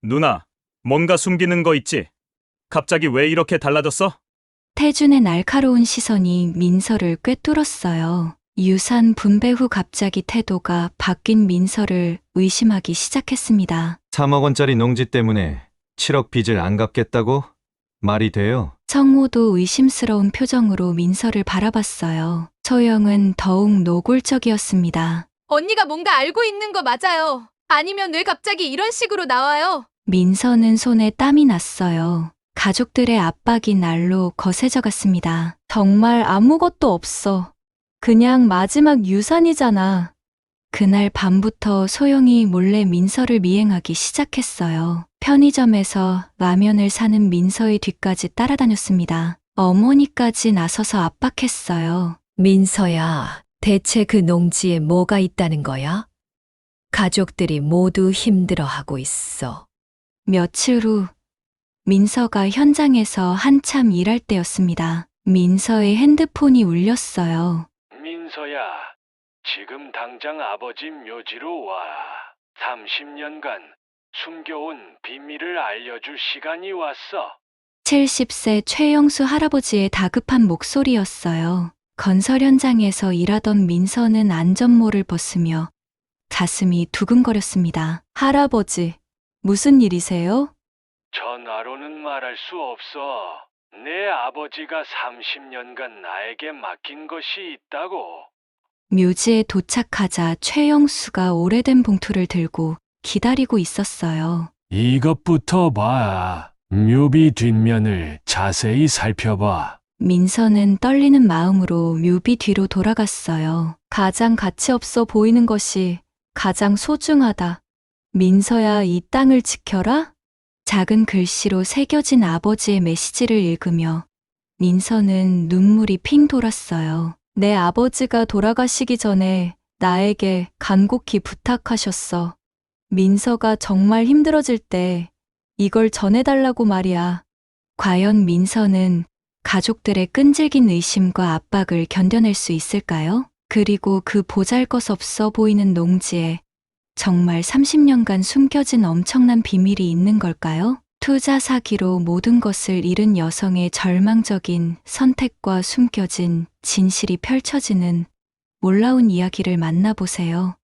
누나, 뭔가 숨기는 거 있지? 갑자기 왜 이렇게 달라졌어? 태준의 날카로운 시선이 민서를 꿰뚫었어요. 유산 분배 후 갑자기 태도가 바뀐 민서를 의심하기 시작했습니다. 3억 원짜리 농지 때문에 7억 빚을 안 갚겠다고? 말이 돼요? 성호도 의심스러운 표정으로 민서를 바라봤어요. 소영은 더욱 노골적이었습니다. 언니가 뭔가 알고 있는 거 맞아요. 아니면 왜 갑자기 이런 식으로 나와요? 민서는 손에 땀이 났어요. 가족들의 압박이 날로 거세져 갔습니다. 정말 아무것도 없어. 그냥 마지막 유산이잖아. 그날 밤부터 소영이 몰래 민서를 미행하기 시작했어요. 편의점에서 라면을 사는 민서의 뒤까지 따라다녔습니다. 어머니까지 나서서 압박했어요. 민서야, 대체 그 농지에 뭐가 있다는 거야? 가족들이 모두 힘들어하고 있어. 며칠 후 민서가 현장에서 한참 일할 때였습니다. 민서의 핸드폰이 울렸어요. 민서야, 지금 당장 아버지 묘지로 와. 30년간 숨겨온 비밀을 알려줄 시간이 왔어. 70세 최영수 할아버지의 다급한 목소리였어요. 건설 현장에서 일하던 민서는 안전모를 벗으며 가슴이 두근거렸습니다. 할아버지, 무슨 일이세요? 전화로는 말할 수 없어. 내 아버지가 30년간 나에게 맡긴 것이 있다고. 묘지에 도착하자 최영수가 오래된 봉투를 들고 기다리고 있었어요. 이것부터 봐. 묘비 뒷면을 자세히 살펴봐. 민서는 떨리는 마음으로 묘비 뒤로 돌아갔어요. 가장 가치 없어 보이는 것이 가장 소중하다. 민서야, 이 땅을 지켜라? 작은 글씨로 새겨진 아버지의 메시지를 읽으며 민서는 눈물이 핑 돌았어요. 내 아버지가 돌아가시기 전에 나에게 간곡히 부탁하셨어. 민서가 정말 힘들어질 때 이걸 전해달라고 말이야. 과연 민서는 가족들의 끈질긴 의심과 압박을 견뎌낼 수 있을까요? 그리고 그 보잘것없어 보이는 농지에 정말 30년간 숨겨진 엄청난 비밀이 있는 걸까요? 투자 사기로 모든 것을 잃은 여성의 절망적인 선택과 숨겨진 진실이 펼쳐지는 놀라운 이야기를 만나보세요.